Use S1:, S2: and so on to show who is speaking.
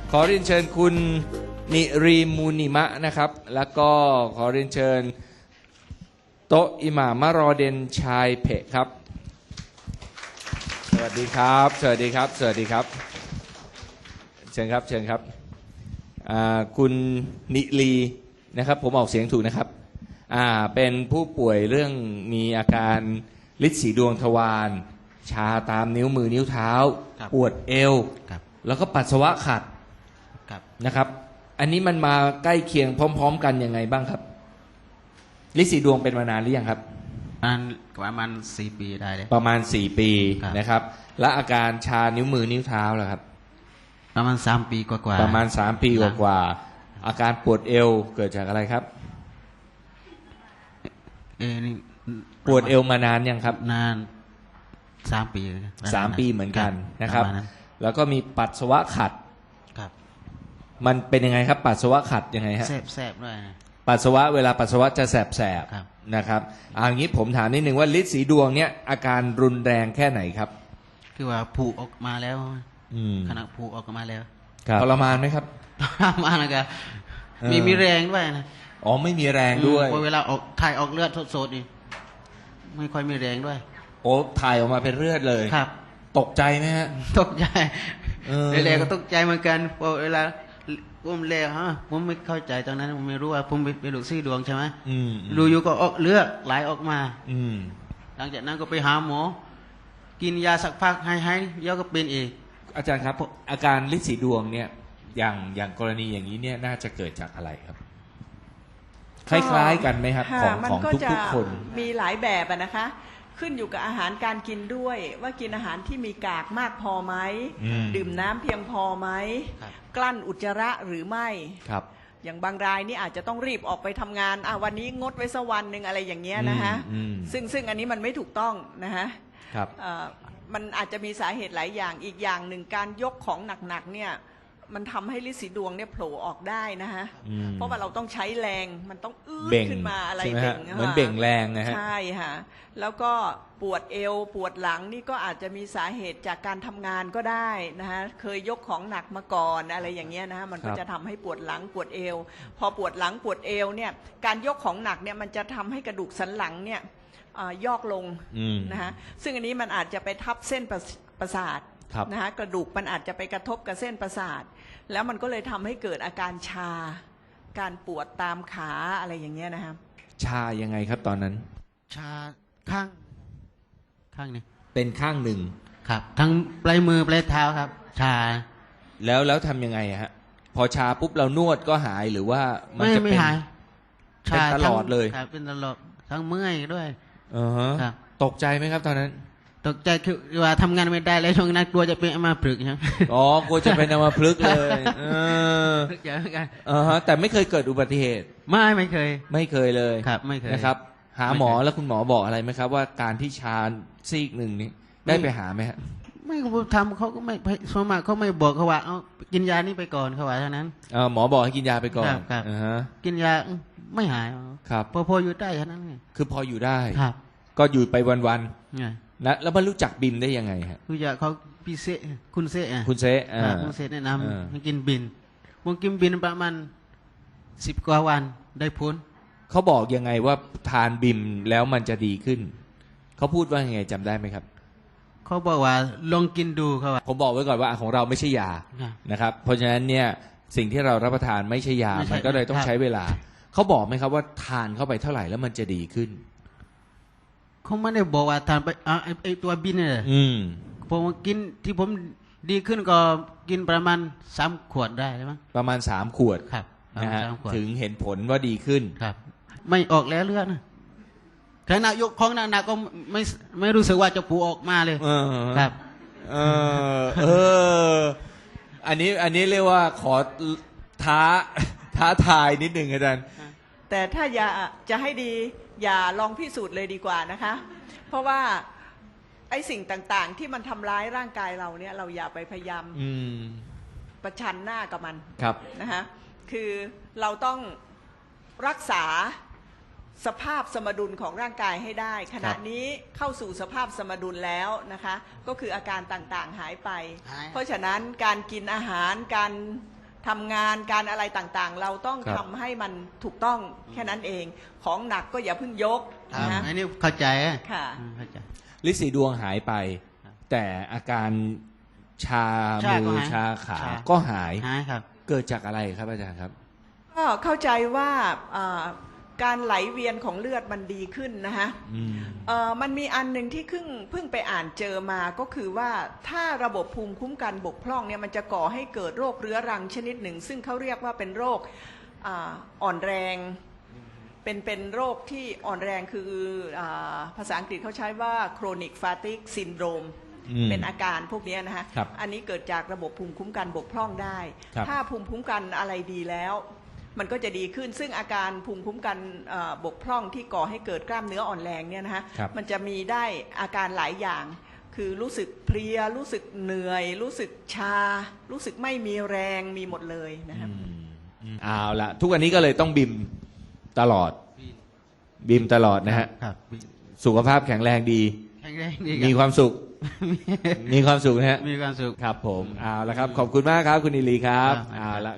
S1: ขอเรียนเชิญคุณนิรีมูนิมะนะครับแล้วก็ขอเรียนเชิญโตะอิหม่ามะรอเดนชายเพะครับสวัสดีครับสวัสดีครับสวัสดีครับเชิญครับเชิญครับคุณนิรีนะครับผมออกเสียงถูกนะครับเป็นผู้ป่วยเรื่องมีอาการฤทธิ์สีดวงทวารชาตามนิ้วมือนิ้วเท้าปวดเอวแล้วก็ปัสสาวะขัดนะครับอันนี้มันมาใกล้เคียงพร้อมๆกันยังไงบ้างครับฤทธิ์สีดวงเป็นมานานหรือยังครับ
S2: ประมาณ4 ปีได้เลย
S1: ประมาณ4 ปีนะครับและอาการชานิ้วมือนิ้วเท้าล่ะครับ
S2: ประมาณ3 ปีกว่า
S1: ประมาณ3 ปีกว่าอาการปวดเอวเกิดจากอะไรครับ
S2: นี่
S1: ปวดเอวมานานยังครับ
S2: นาน3 ปี
S1: 3 ปีเหมือนกันนะครับแล้วก็มีปัสสาวะขัดมันเป็นยังไงครับปัสสาวะขัดยังไงฮะ
S2: แสบๆด้วย
S1: ปัสสาวะเวลาปัสสาวะจะแสบๆนะครับอย่างนี้ผมถามนิดนึงว่าฤทธิ์สีดวงเนี่ยอาการรุนแรงแค่ไหนครับ
S2: คือว่าผูออกมาแล้วขณะผูออกมาแล้ว
S1: ทรมานไหมครับ
S2: ทรมานนะครับมีแรงด้วยนะ
S1: อ๋อไม่มีแรงด้วย
S2: เวลาออกถ่ายออกเลือดสดๆนี่ไม่ค่อยมีแรงด้วย
S1: โอ้ถ่ายออกมาเป็นเลือดเลย
S2: ครับ
S1: ตกใจไหมฮะ
S2: ตกใจแรกๆก็ตกใจเหมือนกันพอเวลาผมแรกผมไม่เข้าใจตอนนั้นผมไม่รู้ว่าผมเป็นลูกซี่ดวงใช่ไหมดูอยู่ก็ออกเลือดไหลออกมาหลังจากนั้นก็ไปหาหมอกินยาสักพักให้เดี๋ยวก็เป็นอีก
S1: อาจารย์ครับอาการฤทธิ์สีดวงเนี่ยอย่างกรณีอย่างนี้เนี่ยน่าจะเกิดจากอะไรครับคล้ายๆกันไหมครับของทุกๆคน
S3: มีหลายแบบนะคะขึ้นอยู่กับอาหารการกินด้วยว่ากินอาหารที่มีกากมากพอไหมดื่มน้ำเพียงพอไหมกลั้นอุจจาระหรือไม่
S1: ครับ
S3: อย่างบางรายนี่อาจจะต้องรีบออกไปทำงานวันนี้งดไว้สักวันหนึ่งอะไรอย่างเงี้ยนะคะซึ่งอันนี้มันไม่ถูกต้องนะคะมันอาจจะมีสาเหตุหลายอย่างอีกอย่างหนึ่งการยกของหนักๆเนี่ยมันทำให้ฤทธิ์สีดวงเนี่ยโผล่ออกได้นะฮะเพราะว่าเราต้องใช้แรงมันต้องขึ้นมาอะไรเบ่ง
S1: เหมือนเบ่งแรงนะฮะ
S3: ใช่ค่ะแล้วก็ปวดเอวปวดหลังนี่ก็อาจจะมีสาเหตุจากการทำงานก็ได้นะฮะเคยยกของหนักมาก่อนอะไรอย่างเงี้ยนะฮะมันก็จะทำให้ปวดหลังปวดเอวพอปวดหลังปวดเอวเนี่ยการยกของหนักเนี่ยมันจะทำให้กระดูกสันหลังเนี่ยยอกลงนะฮะซึ่งอันนี้มันอาจจะไปทับเส้นประสาทนะฮะกระดูกมันอาจจะไปกระทบกับเส้นประสาทแล้วมันก็เลยทำให้เกิดอาการชาการปวดตามขาอะไรอย่างเงี้ยนะครับ
S1: ชายังไงครับตอนนั้น
S2: ชาข้างนี้
S1: เป็นข้างหนึ่ง
S2: ครับทั้งปลายมือปลายเท้าครับชา
S1: แล้วทำยังไงฮะพอชาปุ๊บเรานวดก็หายหรือว่ามันจะ
S2: ไม่หาย
S1: ชาตลอดเลย
S2: ครับเป็นตลอดทั้งเมื่อยด้วย
S1: ครับตกใจไหมครับตอนนั้น
S2: ตกใจคือว่าทำงานไม่ได้เลยช่วงนั้นกลัวจะเป็นอัมพฤกษ์ครับ
S1: กลัวจะเป็นอัมพฤกษ์เลย
S2: เยอะกัน
S1: แต่ไม่เคยเกิดอุบัติเหตุ
S2: ไม่เคย
S1: เลย
S2: ครับไม่เคย
S1: นะครับหาหมอแล้วคุณหมอบอกอะไรไหมครับว่าการที่ชาซีกหนึ่งนี้ได้ไปหาไหมฮะ
S2: ไม่ทำเขาก็ไม่สมมติเขาไม่บอกเขาว่าเอากินยานี้ไปก่อนเขาว่าเท่านั้น
S1: หมอบอกให้กินยาไปก่อน
S2: ครับกินยาไม่หาย
S1: ครับ
S2: พออยู่ได้เท่านั้น
S1: คือพออยู่ได้
S2: ครับ
S1: ก็อยู่ไปวันๆแล้วมารู้จักบิมได้ยังไงฮะ
S2: รู้จักเขาพี่เซคุณเซ
S1: คุณเซ
S2: แนะนำให้กินบินผมกินบินประมาณ10 กว่าวันได้ผล
S1: เขาบอกยังไงว่าทานบิมแล้วมันจะดีขึ้นเขาพูดว่ายังไงจำได้ไหมครับ
S2: เขาบอกว่าลองกินดูเขาว่า
S1: ผมบอกไว้ก่อนว่าของเราไม่ใช่ยานะครับเพราะฉะนั้นเนี่ยสิ่งที่เรารับประทานไม่ใช่ยามันก็เลยต้องใช้เวลาเขาบอกไหมครับว่าทานเข้าไปเท่าไหร่แล้วมันจะดีขึ้น
S2: เขาไม่ได้บอกว่าทานไปไอตัวบินเนี่ยผมกินที่ผมดีขึ้นก็กินประมาณ3 ขวดได้ใช่ไหม
S1: ประมาณ3 ขวด
S2: ครับ
S1: นะฮะถึงเห็นผลว่าดีขึ้น
S2: ครับไม่ออกแล้วเลือดนะขณะยกของหนักๆก็ไม่รู้สึกว่าจะปูออกมาเลยครับ
S1: อันนี้เรียกว่าขอท้าทายนิดหนึ่งอาจารย์
S3: แต่ถ้าอย่าจะให้ดีอย่าลองพิสูจน์เลยดีกว่านะคะเพราะว่าไอ้สิ่งต่างๆที่มันทำร้ายร่างกายเราเนี่ยเราอย่าไปพยายามประชันหน้ากับมันนะคะคือเราต้องรักษาสภาพสมดุลของร่างกายให้ได้ขณะนี้เข้าสู่สภาพสมดุลแล้วนะคะก็คืออาการต่างๆหายไปเพราะฉะนั้นการกินอาหารการทำงานการอะไรต่างๆ เราต้อง
S1: ครับ
S3: ทำให้มันถูกต้องแค่นั้นเอง ของหนักก็อย่าเพิ่งยก
S2: ครับ
S3: นะ
S2: อันนี้เข้าใจอะ
S3: ค่ะ
S2: เข้าใจ
S1: ฤทธิ์สีดวงหายไป แต่อาการชา
S2: ชาก็
S1: มือ
S2: หาย
S1: ชาขา
S2: ชา
S1: ก็หาย
S2: หายครับ
S1: เกิดจากอะไรครับอาจารย์ครับ
S3: ก็เข้าใจว่าการไหลเวียนของเลือดมันดีขึ้นนะฮะ
S1: อืม
S3: มันมีอันหนึ่งที่เพิ่งไปอ่านเจอมาก็คือว่าถ้าระบบภูมิคุ้มกันบกพร่องเนี่ยมันจะก่อให้เกิดโรคเรื้อรังชนิดหนึ่ง ซึ่งเขาเรียกว่าเป็นโรคอ่อนแรงเป็นโรคที่อ่อนแรงคือภาษาอังกฤษเขาใช้ว่า chronic fatigue syndrome
S1: อืม
S3: เป็นอาการพวกนี้นะฮะ
S1: ครับ
S3: อันนี้เกิดจากระบบภูมิคุ้มกันบกพร่องได้
S1: ครับ
S3: ถ้าภูมิคุ้มกันอะไรดีแล้ว มันก็จะดีขึ้นซึ่งอาการภูมิคุ้มกันบกพร่องที่ก่อให้เกิดกล้ามเนื้ออ่อนแรงเนี่ยนะฮะ
S1: ครับ
S3: มันจะมีได้อาการหลายอย่าง คือรู้สึกเพลียรู้สึกเหนื่อย รู้สึกชา รู้สึกไม่มีแรงมีหมดเลยนะครับ
S1: เอาละทุกวันนี้ก็เลยต้องบิมตลอด บิมตลอดนะฮะ
S2: ครับ
S1: สุขภาพแข็งแรงดี
S2: แข็งแรงดี
S1: มี
S2: ครับ
S1: ความสุข มีความสุขนะฮะ
S2: มีความสุข
S1: ครับผมเอาละครับ ขอบคุณมากครับคุณอิลีครับ
S2: ครับ
S1: เอาละ